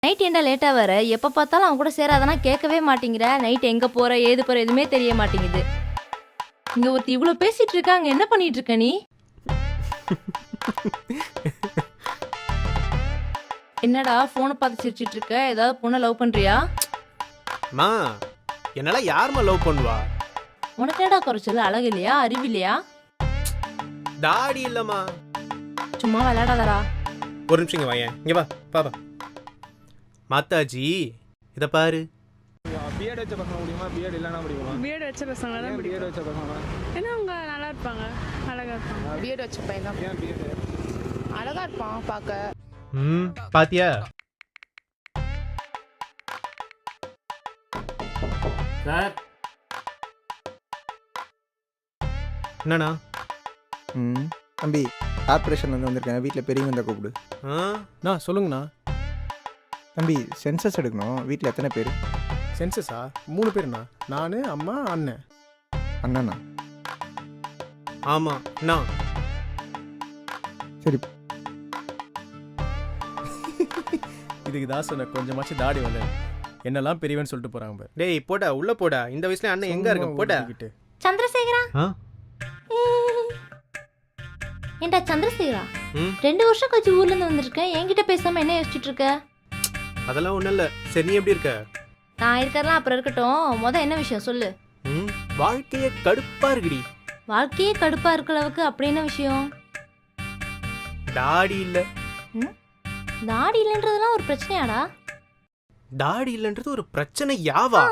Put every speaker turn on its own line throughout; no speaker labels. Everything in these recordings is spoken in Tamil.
நைட் ஏன்டா லேட்டா வர? எப்ப பார்த்தாலும் அவன் கூட சேராதனா கேட்கவே மாட்டேங்கிற. நைட் எங்க போற ஏது போற எதுவுமே தெரிய மாட்டேங்குது. இங்க ஒருத்தி இவ்ளோ பேசிட்டு இருக்கா, அங்க என்ன பண்ணிட்டு இருக்க நீ? என்னடா போனை பார்த்து சிரிச்சிட்டு இருக்க? ஏதாவது பொண்ணை லவ் பண்றியா?
மா என்னால யாரும்மா லவ் பண்ணுவா?
உனக்கு என்னடா குறைச்சல்? அழகு இல்லையா? அறிவு இல்லையா?
தாடி இல்லம்மா.
சும்மா விளையாடாதடா.
ஒரு நிமிஷம் இங்க வாயேன். இங்க வா பாப்பா. மாதாஜி இத பாரு.
பிஎட் வச்ச பசங்க முடியுமா? பிஎட் இல்லனா முடியுமா?
பிஎட் வச்ச பசங்க தான் பிடிக்கும்.
பிஎட் வச்ச பசங்க
ஏன்னா அவங்க நல்லா இருப்பாங்க, அழகா இருப்பாங்க.
பிஎட் வச்ச பையன் தான்.
ஏன் பிஎட்?
அழகா இருப்பான் பார்க்க.
பாத்தியா?
சார்
என்னண்ணா?
தம்பி கார்பரேஷன் வந்து வந்திருக்கேன். வீட்டில் பெரியவங்க இருந்தால் கூப்பிடு.
அண்ணா சொல்லுங்கண்ணா.
தம்பி சென்சஸ் எடுக்கணும். வீட்டில் எத்தனை பேர்?
சென்சஸா? 3 பேருண்ணா. நான், அம்மா, அண்ணன்.
அண்ணா
ஆமா அண்ணா.
சரி.
இதுக்கு தான் சொன்ன கொஞ்சமாச்சு தாடி வந்து என்னெல்லாம் பெரியவன்னு சொல்லிட்டு போறாங்க.
டேய் போடா உள்ள போடா. இந்த வயசுல அண்ணன் எங்க இருக்க? போடா.
சந்திரசேகரா, ஏண்டா சந்திரசேகரா,
ம்
2 வருஷம் கழிச்சு ஊர்ல இருந்து வந்திருக்கேன். என்கிட்ட பேசாம என்ன யோசிச்சுட்டு இருக்க?
அதெல்லாம் ஒண்ணும் இல்ல. சரி நீ எப்படி இருக்க?
நான் இருக்கறலாம் அப்புறம் இருக்கட்டும். என்ன விஷயம் சொல்லு.
வாழ்க்கையே கடுப்பா இருக்குடி.
வாழ்க்கையே கடுப்பா இருக்கிற அளவுக்கு அப்படி என்ன விஷயம்?
தாடி இல்ல.
தாடி இல்லைன்றதெல்லாம் ஒரு பிரச்சனையாடா?
தாடி இல்லன்றது ஒரு பிரச்சனை யாவா?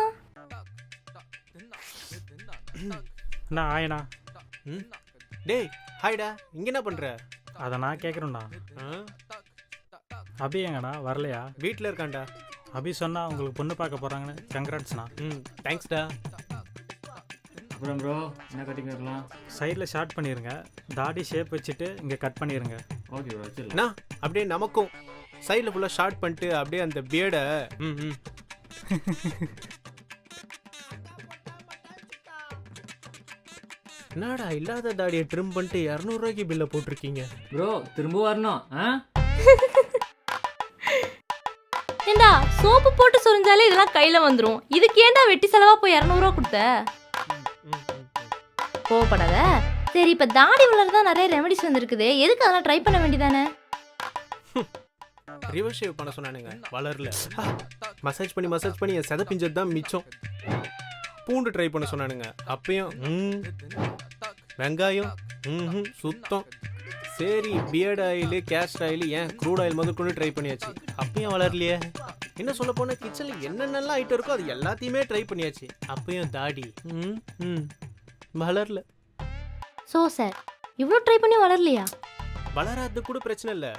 அண்ணா ஆயண்ணா.
டேய் ஹாய்டா. இங்க என்ன பண்ற?
அதை நான் கேட்குறேண்ணா.
ஆ?
அபி எங்கண்ணா வரலையா?
வீட்ல இருக்கான்டா.
அபி சொன்னா உங்களுக்கு பொண்ணு பார்க்க போறாங்கன்னு. கங்க்ராட்ஸ்ண்ணா.
தேங்க்ஸ்டா.
அப்புறம் ப்ரோ என்ன கட்டிங் இருக்கலாம்?
சைடில் ஷார்ட் பண்ணிடுங்க. தாடி ஷேப் வச்சுட்டு இங்கே கட் பண்ணிடுங்க.
ஓகே ப்ரோ வச்சிடலாம்.
அண்ணா அப்படியே நமக்கும் சைடில் ஃபுல்லாக ஷார்ட் பண்ணிட்டு அப்படியே அந்த பியர்டை என்னடா இல்லாத தாடியை ட்ரிம் பண்ணிட்டு 200 ரூபாய்க்கு பில்லை போட்டிருக்கீங்க.
ப்ரோ திரும்ப வரணும்.
ஏண்டா சோப்பு போட்டு சொரிஞ்சாலே இதெல்லாம் கையில வந்துரும். இதுக்கு ஏண்டா வெட்டி செலவா போய் 200 ரூபா கொடுத்த? கோவப்படாத. சரி, இப்ப தாடி வளர்றதா நிறைய ரெமெடிஸ் வந்திருக்குது. எதுக்கு அதெல்லாம் ட்ரை பண்ண வேண்டியதானே?
ரிவர்ஸ் ஷேவ் பண்ண சொன்னானுங்க, வளரல. மசாஜ் பண்ணி என் செத பிஞ்சது தான் மிச்சம். பூண்டு ட்ரை பண்ண சொன்னானுங்க, அப்பயும் வெங்காயம் சுத்தம். சரி பியர்ட் ஆயில், கேஸ்ட் ஆயில், ஏன் க்ரூட் ஆயில் முதல் கொண்டு ட்ரை பண்ணியாச்சு, அப்பயும் வளரலையே. என்ன சொல்ல போனா கிச்சனில் என்னென்னலாம் ஐட்டம் இருக்கோ அது எல்லாத்தையுமே ட்ரை பண்ணியாச்சு, அப்பயும் தாடி வளரல.
சோ சார், இவ்வளோ ட்ரை பண்ணி வளரலையா?
வளராது கூட பிரச்சனை இல்லை.